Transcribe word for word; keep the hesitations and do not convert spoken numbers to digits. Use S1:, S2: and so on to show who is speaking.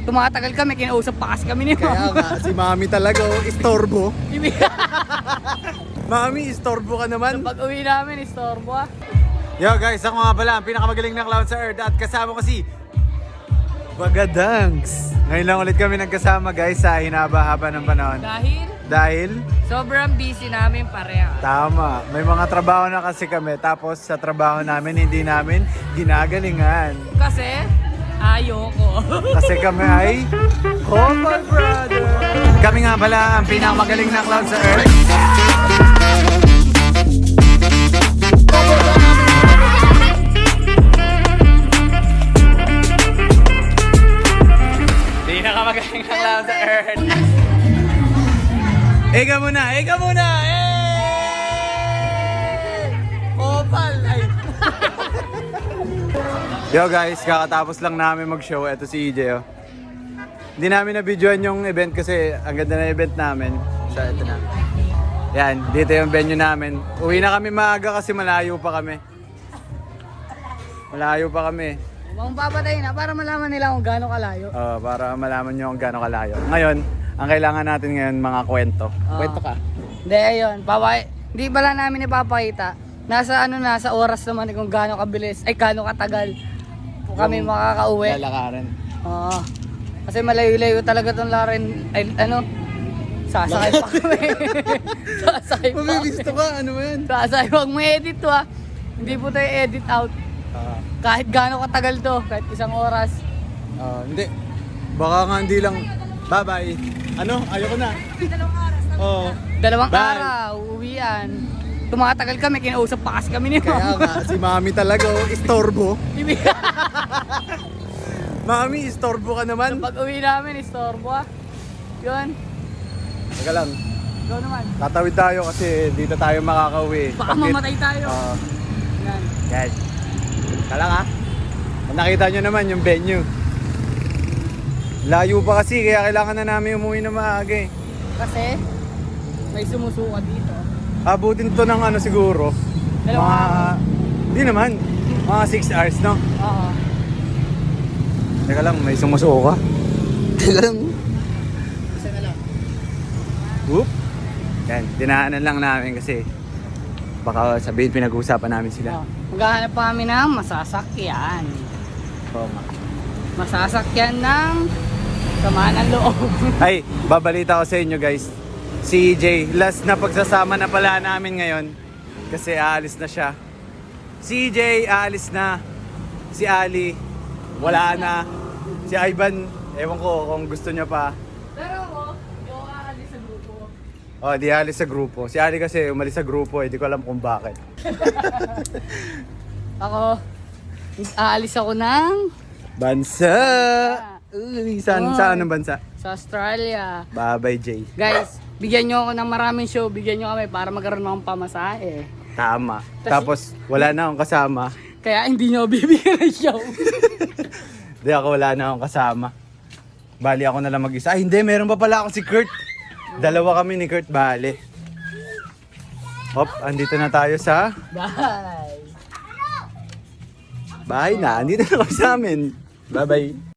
S1: Tumatagal kami, kinausap pa kasi kami ni
S2: Kaya
S1: Ma'am.
S2: nga, si Mami talaga, oh, istorbo. Mami, istorbo ka naman.
S1: Pag uwi namin, istorbo ah.
S2: Yo guys, ako nga pala ang pinakamagaling na clown sa earth at kasama ko si Bagadangs. Ngayon lang ulit kami nagkasama guys sa hinaba-haba ng panahon.
S1: Dahil
S2: Dahil,
S1: sobrang busy namin pareha.
S2: tama, may mga trabaho na kasi kami tapos sa trabaho namin hindi namin ginagalingan.
S1: Kasi, ayoko.
S2: Kasi kami ay Couple Brother. Kami nga pala ang pinakamagaling na clown sa earth. Pinakamagaling na clown sa earth. Ega muna, ega muna! Eh! Opal! Ay! Yo guys, kakatapos lang namin mag-show. Ito si E J oh. Hindi namin na-videoan yung event kasi ang ganda na event namin. So ito na. Yan, dito yung venue namin. Uwi na kami maaga kasi malayo pa kami. Malayo pa kami.
S1: Mukhang papatay na para malaman nila kung gaano kalayo.
S2: Uh, para malaman nyo kung gaano kalayo. Ngayon, ang kailangan natin ngayon mga kwento.
S1: Ah.
S2: Kwento ka.
S1: Hindi, ayun. Papay, hindi pala namin ipapakita. Nasa ano na, sa oras naman kung gaano kabilis, ay gaano katagal po kami
S2: Yung
S1: makakauwi.
S2: Lalakaran.
S1: Oo. Kasi malayo-layo talaga itong laren, ay ano, sasakay pa kami. Sasakay pa kami.
S2: Mabibisto ka, ano ba yan?
S1: Sasakay, huwag mo edit to ah. Hindi po tayo edit out.
S2: Uh,
S1: Kahit gaano katagal to, kahit isang oras.
S2: uh, hindi. Baka nga hindi lang. Bye-bye. Ano? Ayoko na.
S1: Dalawang oras.
S2: Oo.
S1: Dalawang
S2: Bye.
S1: araw, uuwian. Tumatagal kami, kinausap pa kasi kami ni
S2: Kaya
S1: Ma'am.
S2: nga, si Mami talaga, oh, istorbo. Mami, istorbo ka naman.
S1: Pag uwi namin, istorbo ah. Yun,
S2: Teka lang,
S1: ikaw naman.
S2: tatawid tayo kasi dito tayo makakauwi.
S1: Baka
S2: Bakit?
S1: mamatay tayo.
S2: Oo.
S1: Yan.
S2: Yan. Teka lang ha. Kung nakita nyo naman yung venue. Layo pa kasi, kaya kailangan na namin umuwi na maaga eh.
S1: Kasi, may sumusuka dito.
S2: Abutin to ng ano siguro.
S1: Dalawang
S2: Mga,
S1: araw.
S2: di naman. Mga six hours, no?
S1: Oo.
S2: Teka lang, may sumusuka. Teka lang.
S1: Isa na lang.
S2: Whoop. Yan, dinaanan lang namin kasi baka sabihin pinag-uusapan namin sila.
S1: Oh. Maghahanap pa kami ng masasakyan.
S2: Oo nga.
S1: Masasakyan ng sama ng loob.
S2: Ay, babalita ko sa inyo guys. Si E J, last na pagsasama na pala namin ngayon kasi aalis na siya. Si E J, aalis na. Si Ali, wala na. Si Ivan, ewan ko kung gusto niya pa.
S1: Pero ako, hindi ako aalis sa grupo.
S2: Oh, di aalis sa grupo. Si Ali kasi umalis sa grupo, eh, di ko alam kung bakit.
S1: Ako, aalis ako ng
S2: Bansa! Uy, saan,
S1: Oy.
S2: saan ang bansa?
S1: sa Australia.
S2: Bye-bye, Jay.
S1: Guys, bigyan nyo ako ng maraming show, bigyan nyo kami para magkaroon akong pamasahe.
S2: Tama.
S1: Tas-
S2: Tapos, wala na akong kasama.
S1: Kaya hindi nyo bibigyan ng show.
S2: Hindi ako, wala na akong kasama. Bali ako na lang mag-isa. Ay, hindi, meron pa pala ako si Kurt. Dalawa kami ni Kurt, bali. Hop, andito na tayo sa
S1: Bye!
S2: bahay na. Andito na kami sa amin. Bye-bye.